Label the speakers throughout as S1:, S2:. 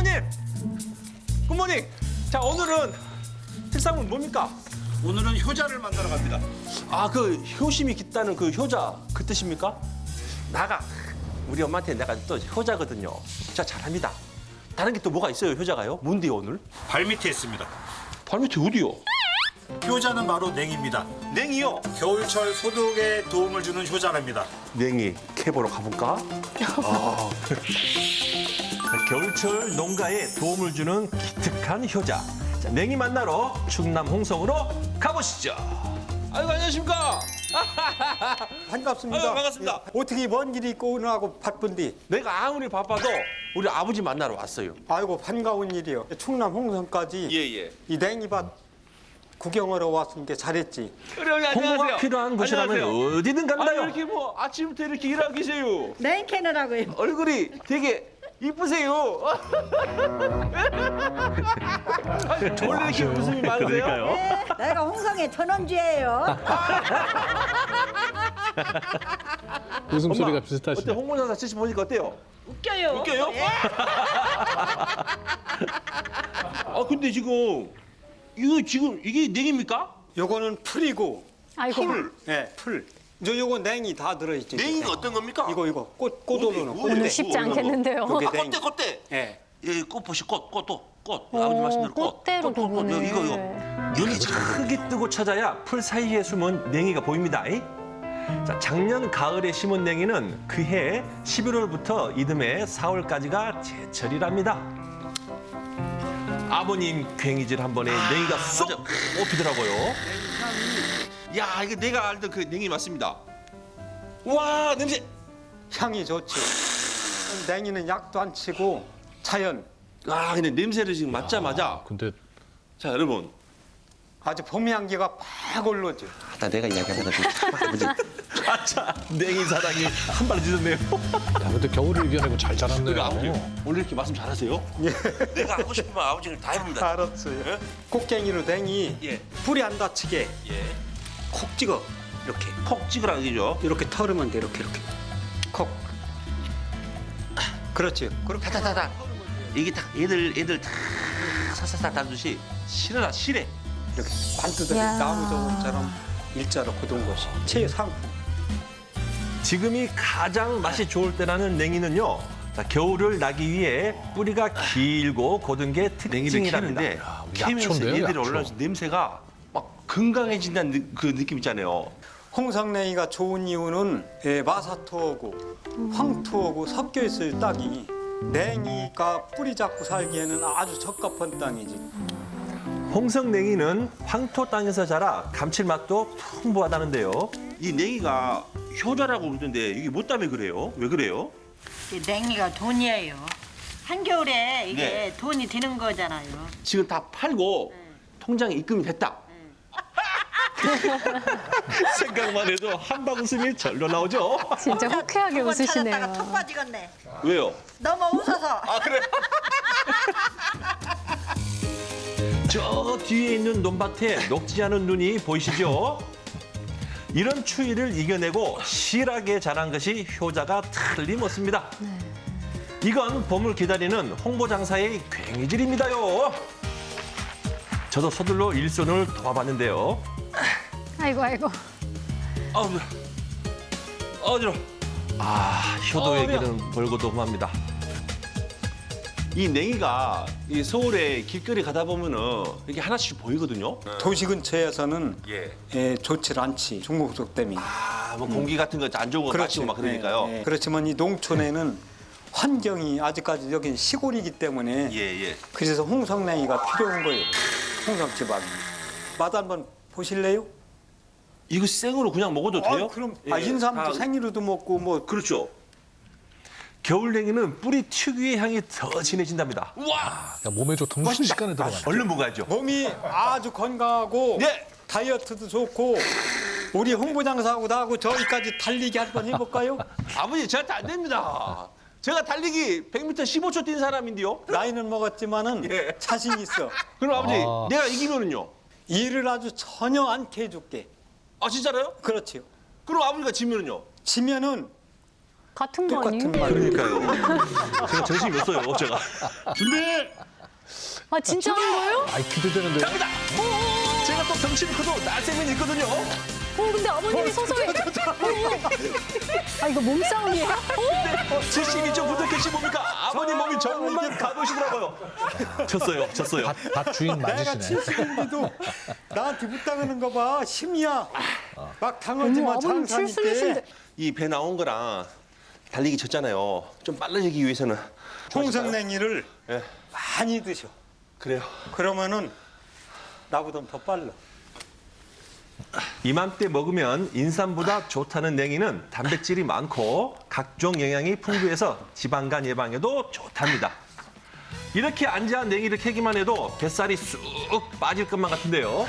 S1: 아버님! 굿모닝! 자, 오늘은 특상은 뭡니까?
S2: 오늘은 효자를 만나러 갑니다.
S1: 아, 그 효심이 깃다는 그 효자 그 뜻입니까? 나가. 우리 엄마한테 내가 또 효자거든요. 진짜 잘합니다. 다른 게 또 뭐가 있어요, 효자가요? 뭔데요, 오늘?
S2: 발밑에 있습니다.
S1: 발밑에 어디요?
S2: 효자는 바로 냉입니다.
S1: 냉이요?
S2: 겨울철 소독에 도움을 주는 효자랍니다.
S1: 냉이 캐보러 가볼까? 아. 겨울철 농가에 도움을 주는 기특한 효자. 자, 냉이 만나러 충남 홍성으로 가보시죠. 아이고, 안녕하십니까?
S3: 반갑습니다.
S1: 아유, 반갑습니다.
S3: 예. 어떻게 먼 길이 있고 오늘하고 바쁜디?
S1: 내가 아무리 바빠도 우리 아버지 만나러 왔어요.
S3: 아이고 반가운 일이요. 충남 홍성까지
S1: 예.
S3: 이 냉이밭 구경하러 왔으니까 잘했지.
S1: 그래, 홍보가 필요한 곳이라면 어디든 간다요. 이렇게 뭐 아침부터 이렇게 일하고 계세요.
S4: 냉 캐느라고요.
S1: 얼굴이 되게 이쁘세요. 원래 이렇게 웃음이 많으세요?
S4: 네, 내가 홍성의 전원주예요.
S5: 웃음소리가
S1: 어때,
S5: 비슷하시네.
S1: 홍보사사 지시 보니까 어때요?
S4: 웃겨요.
S1: 웃겨요?
S4: 예.
S1: 아, 근데 지금 이게 냉입니까?
S3: 요거는 풀이고
S6: 아이고.
S3: 예, 풀. 요거 냉이 다 들어있지.
S1: 냉이가 어떤 겁니까?
S3: 이거 꽃으로는
S1: 어디?
S6: 오늘
S3: 꽃대.
S6: 쉽지 않겠는데요.
S3: 요게
S1: 아,
S3: 냉이.
S1: 꽃대.
S3: 예.
S1: 예, 꽃보시 꽃. 아버지 말씀대로 꽃.
S6: 꽃대로 보네.
S1: 이거. 눈이 크게 뜨고 찾아야 풀 사이에 숨은 냉이가 보입니다. 자, 작년 가을에 심은 냉이는 그해 11월부터 이듬해 4월까지가 제철이랍니다. 아버님 괭이질 한 번에 냉이가 쏙 뽑히더라고요. 야, 이게 내가 알던 그 냉이 맞습니다. 와, 냄새.
S3: 향이 좋지. 냉이는 약도 안 치고 자연.
S1: 아, 근데 냄새를 지금 맡자마자.
S5: 근데
S1: 자, 여러분.
S3: 아주 봄 향기가 팍 올라오죠.
S1: 나 내가 이야기하거든. 아버지. 아차, 냉이 사랑이 한 발 늦었네요.
S5: 야, 근데 겨울을 이겨내고 잘 자랐네요.
S1: 아버지, 오늘 이렇게 말씀 잘하세요? 내가 하고 싶은 말 아버지를 다 해봅니다.
S3: 알았어요.
S1: 예?
S3: 꽃갱이로 냉이
S1: 예.
S3: 불이 안 다치게
S1: 예.
S3: 콕 찍어. 이렇게.
S1: 콕 찍으라는 얘기죠.
S3: 이렇게 털으면 돼. 이렇게. 콕. 그렇지. 그렇게.
S1: 타타타타. 이게 딱 애들 다 사사사 다듯이 실어라, 실해.
S3: 이렇게 반듯하게
S6: 야.
S3: 나무 저금처럼 일자로 굳은 것이 최상품.
S1: 지금이 가장 맛이 좋을 때라는 냉이는요. 자, 겨울을 나기 위해 뿌리가 길고 고든 게 특징이랍니다. 캐면서
S5: 약초인데요,
S1: 얘들이
S5: 약초.
S1: 올라와서 냄새가 막 건강해진다는 그 느낌 있잖아요.
S3: 홍성냉이가 좋은 이유는 마사토하고 황토하고 섞여 있어요. 땅이. 냉이가 뿌리 잡고 살기에는 아주 적합한 땅이지.
S1: 홍성냉이는 황토 땅에서 자라 감칠맛도 풍부하다는데요. 이 냉이가 효자라고 그러던데 이게 뭐 때문에 그래요? 왜 그래요?
S4: 이 냉이가 돈이에요. 한겨울에 이게
S1: 네.
S4: 돈이 드는 거잖아요.
S1: 지금 다 팔고 통장에 입금이 됐다. 생각만 해도 한방 웃음이 절로 나오죠.
S6: 진짜 호쾌하게
S4: 한번
S6: 웃으시네요.
S4: 찾았다가 톡 빠지겠네.
S1: 왜요?
S4: 너무 웃어서.
S1: 아, 그래? 저 뒤에 있는 논밭에 녹지 않은 눈이 보이시죠? 이런 추위를 이겨내고 실하게 자란 것이 효자가 틀림없습니다. 이건 봄을 기다리는 홍보장사의 괭이질입니다요. 저도 서둘러 일손을 도와봤는데요.
S6: 아이고.
S1: 아우, 어지러. 아, 효도에게는 벌고도 험합니다. 이 냉이가 이 서울에 길거리 가다 보면은 이렇게 하나씩 보이거든요.
S3: 도시 근처에서는
S1: 예.
S3: 좋지 않지. 중국속 때문에.
S1: 아, 뭐 공기 같은 거 안 좋은 거 마시고 막 그러니까요.
S3: 네, 네. 그렇지만 이 농촌에는 환경이 아직까지 여기 시골이기 때문에
S1: 예.
S3: 그래서 홍성냉이가 필요한 거예요. 홍성지방이. 맛 한번 보실래요?
S1: 이거 생으로 그냥 먹어도 돼요?
S3: 그럼
S1: 예.
S3: 인삼도
S1: 다-
S3: 생으로도 먹고 뭐
S1: 그렇죠. 겨울 냉이는 뿌리 특유의 향이 더 진해진답니다. 우와!
S5: 야, 몸에 좋던 거 순식간에 들어가네.
S1: 얼른 먹어야죠.
S3: 몸이 아주 건강하고
S1: 예.
S3: 다이어트도 좋고 우리 홍보장사하고 나하고 저기까지 달리기 한번 해볼까요?
S1: 아버지, 저한테 안 됩니다. 제가 달리기 100m 15초 뛴 사람인데요.
S3: 나이는 먹었지만은
S1: 예.
S3: 자신 있어.
S1: 그럼 아버지,
S5: 아.
S1: 내가 이기면은요?
S3: 일을 아주 전혀 않게 해줄게.
S1: 아, 진짜로요?
S3: 그렇지요.
S1: 그럼 아버지가 지면은요?
S3: 지면은
S6: 같은 거 아니에요?
S3: 똑같은 말.
S1: 그러니까요. 제가 정신이 없어요, 제가. 준비!
S6: 아 진짜 하는 거예요?
S5: 아이 기대되는데.
S1: 갑니다! 제가 또 덩치는 커도 날쌘면 있거든요.
S6: 근데 아버님이 서서히. 아 이거 몸싸움이에요?
S1: 72.9도 캐시 뭡니까? 아버님 몸이 정말 가보시더라고요. 졌어요.
S5: 밭 주인
S3: 내가
S5: 맞으시네.
S3: 70인데도 나한테 붙당하는 거 봐. 힘이야. 막
S6: 어머
S3: 당하지만
S6: 아버님
S3: 장사니까.
S6: 칠순이신데.
S1: 이 배 나온 거랑 달리기 졌잖아요. 좀 빨라지기 위해서는.
S3: 홍성냉이를
S1: 예.
S3: 많이 드셔.
S1: 그래요.
S3: 그러면은 나보다 더 빨라.
S1: 이맘때 먹으면 인삼보다 좋다는 냉이는 단백질이 많고 각종 영양이 풍부해서 지방간 예방에도 좋답니다. 이렇게 안지한 냉이를 캐기만 해도 뱃살이 쑥 빠질 것만 같은데요.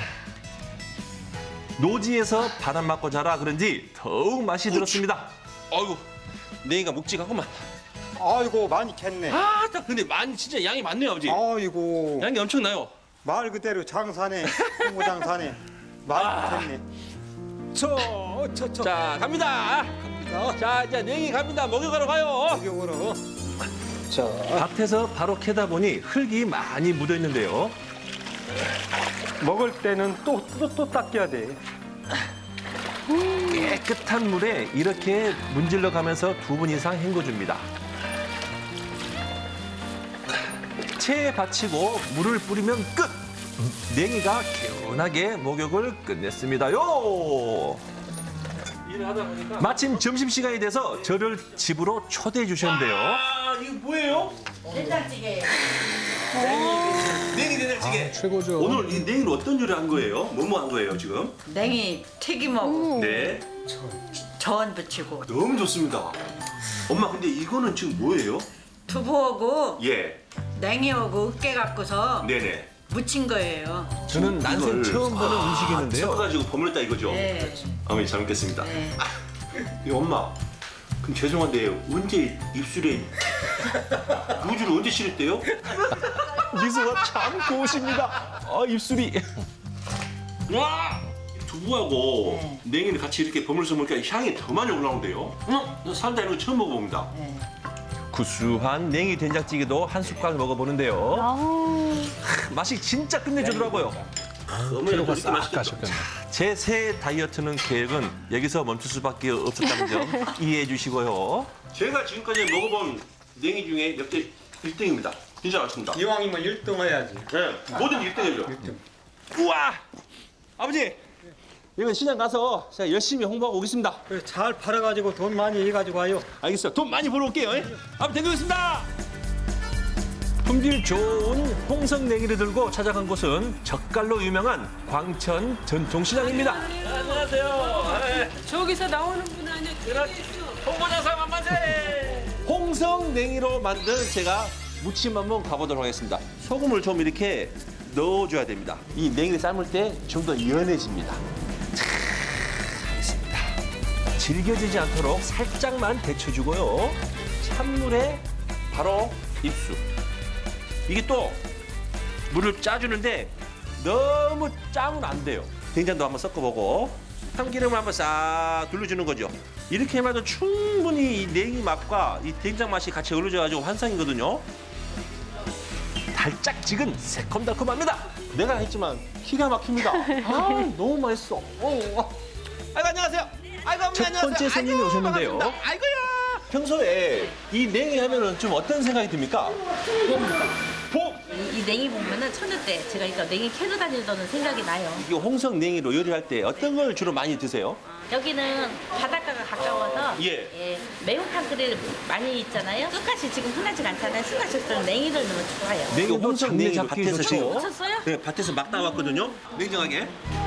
S1: 노지에서 바람 맞고 자라 그런지 더욱 맛이 들었습니다.
S7: 아이고 냉이가 묵직하구만.
S3: 아이고 많이 캤네.
S7: 딱 근데 많이 진짜 양이 많네요 아버지.
S3: 아이고
S7: 양이 엄청나요.
S3: 말 그대로 장사네. 홍보 장사네. 많이 캤네. 저.
S7: 자 갑니다. 자 이제 냉이 갑니다. 목욕하러 가요.
S3: 이쪽으로.
S1: 밭에서 바로 캐다 보니 흙이 많이 묻어 있는데요.
S3: 먹을 때는 또 닦여야 돼.
S1: 깨끗한 물에 이렇게 문질러 가면서 2분 이상 헹궈줍니다. 체에 받치고 물을 뿌리면 끝! 냉이가 개운하게 목욕을 끝냈습니다요.
S7: 일을 하다 보니까.
S1: 마침 점심시간이 돼서 저를 집으로 초대해 주셨는데요.
S7: 아 이거 뭐예요?
S4: 된장찌개.
S7: 냉이 된장찌개.
S5: 최고죠.
S7: 오늘 이 냉이로 어떤 요리 한 거예요? 뭐뭐 한 거예요 지금?
S4: 냉이 튀김하고
S7: 네.
S4: 전 부치고
S7: 너무 좋습니다. 엄마 근데 이거는 지금 뭐예요?
S4: 두부하고
S7: 예.
S4: 냉이하고 으깨 갖고서
S7: 네네.
S4: 무친 거예요.
S1: 저는 난생 처음 보는 음식이었는데요.
S7: 섞어가지고 버무렸다 이거죠?
S4: 네.
S7: 어머니 잘 먹겠습니다.
S4: 네.
S7: 이 엄마, 그럼 죄송한데 언제 입술에 루즈를 언제 칠했대요?
S1: 미소가 참 고우십니다. 입술이.
S7: 와! 두부하고 냉이를 같이 이렇게 버무려서 먹으니까 향이 더 많이 올라오는데요? 응? 살다 이런 거 처음 먹어봅니다.
S1: 구수한 냉이 된장찌개도 한 숟갈 먹어보는데요.
S6: 아우
S1: 맛이 진짜 끝내주더라고요.
S7: 어머니가
S5: 피로가
S7: 이렇게
S5: 싹
S7: 맛있겠죠?
S5: 가셨겠네.
S1: 제 새 다이어트는 계획은 여기서 멈출 수밖에 없었다는 점 이해해 주시고요.
S7: 제가 지금까지 먹어본 냉이 중에 역대 1등입니다. 진짜 맛있습니다.
S3: 이왕이면 1등 해야지.
S7: 네, 뭐든 1등이죠.
S1: 우와! 아버지! 이건 시장 가서 제가 열심히 홍보하고 오겠습니다.
S3: 그래, 잘 팔아가지고 돈 많이 해가지고 와요.
S1: 알겠어요. 돈 많이 벌어 올게요. 아버지 댕겨겠습니다. 품질 좋은 홍성냉이를 들고 찾아간 곳은 젓갈로 유명한 광천 전통시장입니다.
S7: 안녕하세요.
S8: 저기서 나오는 분 아니야?
S7: 홍보장사 만만세.
S1: 홍성냉이로 만든 제가 무침 한번 가보도록 하겠습니다. 소금을 좀 이렇게 넣어줘야 됩니다. 이 냉이를 삶을 때 좀 더 연해집니다. 자, 하겠습니다. 질겨지지 않도록 살짝만 데쳐주고요. 찬물에 바로 입수. 이게 또 물을 짜주는데 너무 짜면 안 돼요. 된장도 한번 섞어보고 참기름을 한번 싹 둘러주는 거죠. 이렇게 해도 충분히 이 냉이 맛과 이 된장 맛이 같이 어우러져가지고 환상이거든요. 달짝지근 새콤달콤합니다. 내가 했지만 기가 막힙니다. 너무 맛있어. 아이고 안녕하세요. 아이고 어머니
S9: 첫 번째 손님이 오셨는데요.
S7: 반갑습니다. 아이고야.
S1: 평소에 이 냉이 하면은 좀 어떤 생각이 듭니까?
S8: 이 냉이 보면은 천여 때 제가 그러니까 냉이 캐러 다니던 생각이 나요.
S1: 이 홍성 냉이로 요리할 때 어떤 걸 주로 많이 드세요?
S8: 여기는 바닷가가 가까워서
S1: 예.
S8: 매운탕 끓일 많이 있잖아요. 끝까지 지금 흔하지가 않잖아요. 순간식들은 냉이를 넣으면 좋아요.
S1: 냉이 홍성 냉이
S9: 잡기
S1: 밭에서
S9: 좋죠.
S1: 지금
S8: 미쳤어요?
S1: 네, 밭에서 막 나왔거든요. 냉정하게.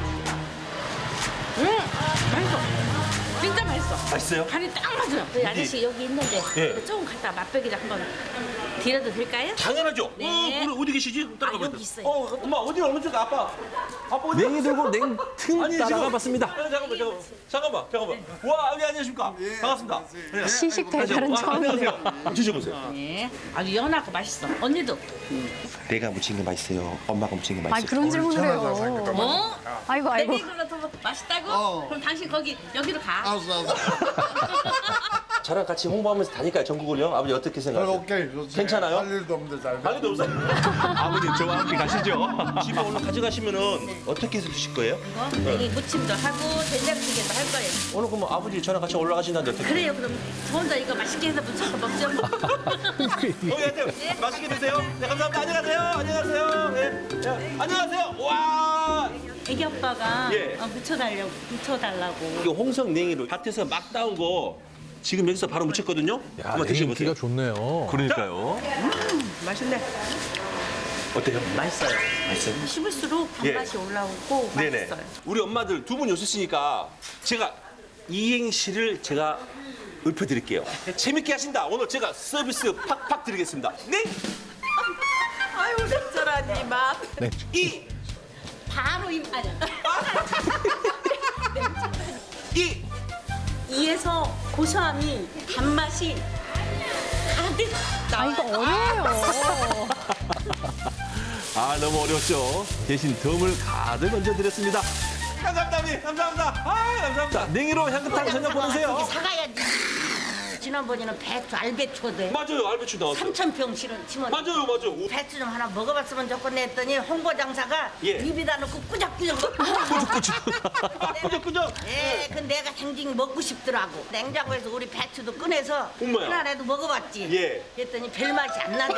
S8: 맛있어. 진짜 맛있어.
S1: 맛있어요?
S8: 간이 딱 맞아요. 저희 아저씨 여기 있는데
S1: 예.
S8: 조금 갖다 맛보기를 한번 드려도 될까요?
S1: 당연하죠.
S8: 네.
S1: 그럼 어디 계시지? 따라가
S8: 여기
S1: 봐요.
S8: 있어요.
S1: 엄마 어디 어느 쪽 아빠? 아빠 어디?
S9: 냉이 들고 냉틈 따라가 봤습니다.
S1: 잠깐만. 와, 여기 안녕하십니까? 반갑습니다. 네.
S6: 시식 배달은 처음이네요.
S1: 안녕하세요. 드셔보세요.
S8: 네. 아주 연하고 맛있어. 언니도.
S1: 내가 무친 게 맛있어요. 엄마가 무친 게
S6: 아
S1: 맛있어요.
S6: 그런 질문을 해요.
S8: 뭐?
S6: 아이고 아이고.
S8: 냉이 그거 더 맛있다고? 그럼 당신 거기 여기로 가.
S7: 저랑 같이 홍보하면서 다니까요, 전국을요? 아버지 어떻게 생각하세요?
S10: 오케이, 좋지.
S7: 괜찮아요?
S10: 할 일도 없는데 잘.
S7: 할 일도 없어요.
S1: 아버님 저와 함께 가시죠.
S7: 집에 오늘 가져가시면은 어떻게 해서 드실 거예요?
S8: 이거 냉이 무침도 하고 된장찌개도 할 거예요.
S7: 오늘 그럼 아버지 저랑 같이 올라가신다는데 어떻게?
S8: 그래요. 그럼 저 혼자 이거 맛있게 해서 무쳐서 먹죠. 뭐.
S7: 하여튼 맛있게 드세요. 네, 감사합니다. 안녕하세요. 안녕하세요. 네. 네. 안녕하세요. 와.
S8: 애기 아빠가
S7: 예.
S8: 무쳐달라고.
S7: 이거 홍성 냉이로 밭에서 막 따온 거 지금 여기서 바로 무쳤거든요.
S5: 야,
S7: 한번
S5: 냉이
S7: 드셔보세요.
S5: 인기가 좋네요.
S1: 그러니까요.
S8: 맛있네.
S7: 어때요?
S8: 맛있어요.
S7: 맛있어요?
S8: 씹을수록
S7: 예.
S8: 단맛이 올라오고
S7: 네네.
S8: 맛있어요.
S7: 우리 엄마들 두 분 오셨으니까 제가 이행시를 제가 읊어드릴게요. 재밌게 하신다. 오늘 제가 서비스 팍팍 드리겠습니다. 네.
S8: 아유 적절하니 맛.
S5: 네.
S7: 이.
S8: 바로 아니.
S7: 이.
S8: 이에서 고소함이 단맛이 가득
S6: 아, 이거 어려워요.
S1: 아 너무 어려웠죠. 대신 덤을 가득 얹어드렸습니다.
S7: 감사합니다, 어머니. 감사합니다. 아, 감사합니다.
S1: 냉이로 향긋한 저녁 보내세요.
S8: 사가야지. 지난번에는 배추 알배추도
S7: 맞아요, 알배추 나왔어요.
S8: 3,000평 심은
S7: 맞아요, 맞아요.
S8: 배추 좀 하나 먹어봤으면 좋겠네 했더니 홍보장사가
S7: 예.
S8: 입에다 넣고 꾸적꾸적
S7: 꾸덕꾸덕.
S8: 예, 그 내가 생징 먹고 싶더라고. 냉장고에서 우리 배추도 꺼내서
S7: 엄마야.
S8: 하나라도 먹어봤지.
S7: 예.
S8: 그랬더니 별맛이 안 나대.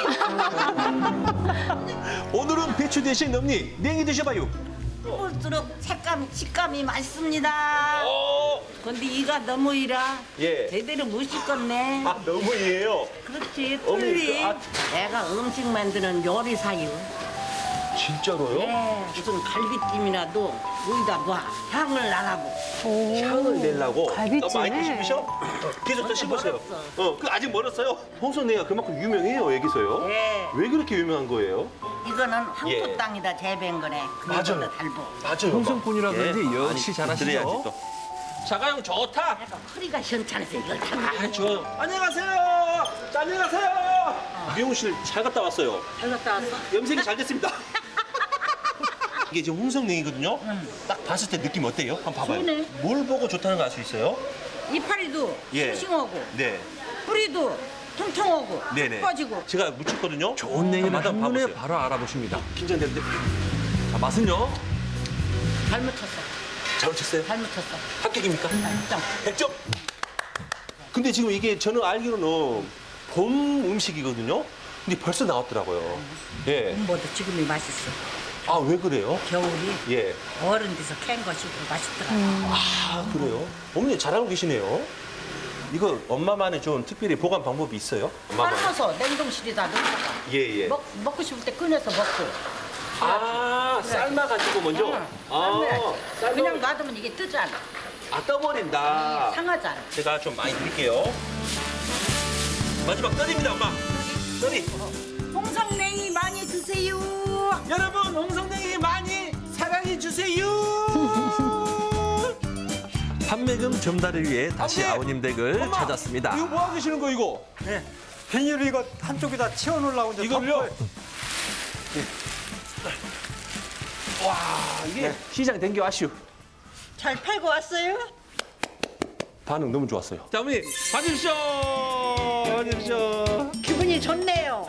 S1: 오늘은 배추 대신 넘니 냉이 드셔봐요.
S8: 볼수록 식감이 맛있습니다. 근데 이가 너무 이라
S7: 예.
S8: 제대로 못 씻었네.
S7: 아, 너무이에요.
S8: 그렇지,
S7: 어머니,
S8: 틀리.
S7: 아.
S8: 내가 음식 만드는 요리사유.
S7: 진짜로요?
S8: 예, 무슨 갈비찜이라도 여기다 놔. 향을 나라고.
S7: 향을 내려고
S6: 갈비찜에.
S7: 너무 많이 드시죠? 계속 더 씹으세요. 그 아직 멀었어요. 홍성냉이가 그만큼 유명해요 여기서요.
S8: 예.
S7: 왜 그렇게 유명한 거예요?
S8: 이거는
S7: 예.
S8: 황토 땅이다 재배한 거네.
S7: 맞아요.
S8: 그거보다 달고.
S7: 맞아요.
S1: 홍성꾼이라 그런지 역시
S7: 아니,
S1: 잘하시죠.
S7: 드려야지 또. 자가용 좋다.
S8: 내가 허리가 시원찮아서 이걸 다 가.
S7: 아, 좋아요. 안녕하세요. 자, 안녕하세요. 미용실 잘 갔다 왔어요.
S8: 잘 갔다 왔어?
S7: 염색이 잘 됐습니다. 이게 지금 홍성냉이거든요. 딱 봤을 때 느낌 어때요? 한번 봐봐요.
S8: 좋네.
S7: 뭘 보고 좋다는 거 알 수 있어요?
S8: 이파리도
S7: 예.
S8: 싱싱하고
S7: 네.
S8: 뿌리도 통통하고
S7: 네네.
S8: 꺼지고.
S7: 제가 묻혔거든요.
S1: 좋은 냉이는
S7: 맛 한번
S1: 한눈에
S7: 봐보세요.
S1: 바로 알아보십니다.
S7: 긴장되는데
S1: 자, 맛은요?
S8: 잘 묻혔어.
S7: 잘 묻혔어요?
S8: 잘 묻혔어.
S7: 합격입니까?
S8: 100점.
S7: 100점? 근데 지금 이게 저는 알기로는 봄 음식이거든요. 근데 벌써 나왔더라고요. 예.
S8: 뭐도 지금이 맛있어.
S7: 아, 왜 그래요?
S8: 겨울이
S7: 예.
S8: 어른 데서 캔 것이고 맛있더라고.
S7: 아, 그래요? 어머니 잘 알고 계시네요. 이거 엄마만의 좀 특별히 보관 방법이 있어요? 엄마만.
S8: 삶아서 냉동실에다 넣다가
S7: 예, 예.
S8: 먹고 싶을 때 꺼내서 먹고.
S7: 아, 삶아가지고 먼저?
S8: 삶아야지. 그냥 놔두면 이게 뜨잖아.
S7: 아, 떠버린다.
S8: 상하잖아.
S7: 제가 좀 많이 드릴게요. 마지막 떨입니다, 엄마. 떨이.
S8: 홍성냉이 많이 드세요.
S7: 여러분, 홍성냉이 많이 사랑해 주세요.
S1: 판매금 전달을 위해 다시
S7: 아버지!
S1: 아버님 댁을
S7: 엄마!
S1: 찾았습니다.
S7: 이거 뭐 하고 계시는 거 이거?
S3: 네. 비닐을 이거 한쪽에다 채워놓으려고 이제
S7: 이걸요?
S3: 덮어요.
S7: 와, 이게 시장 댕겨 왔슈.
S8: 잘 팔고 왔어요?
S7: 반응 너무 좋았어요. 자, 어머니, 봐주십시오. 봐주십시오.
S8: 기분이 좋네요.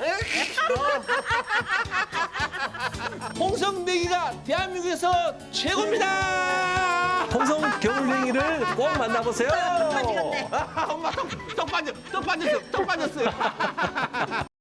S7: 홍성냉이가 대한민국에서 최고입니다.
S1: 홍성 겨울냉이를 꼭 만나보세요.
S7: 엄마 떡 빠졌어요. 떡 빠졌어요.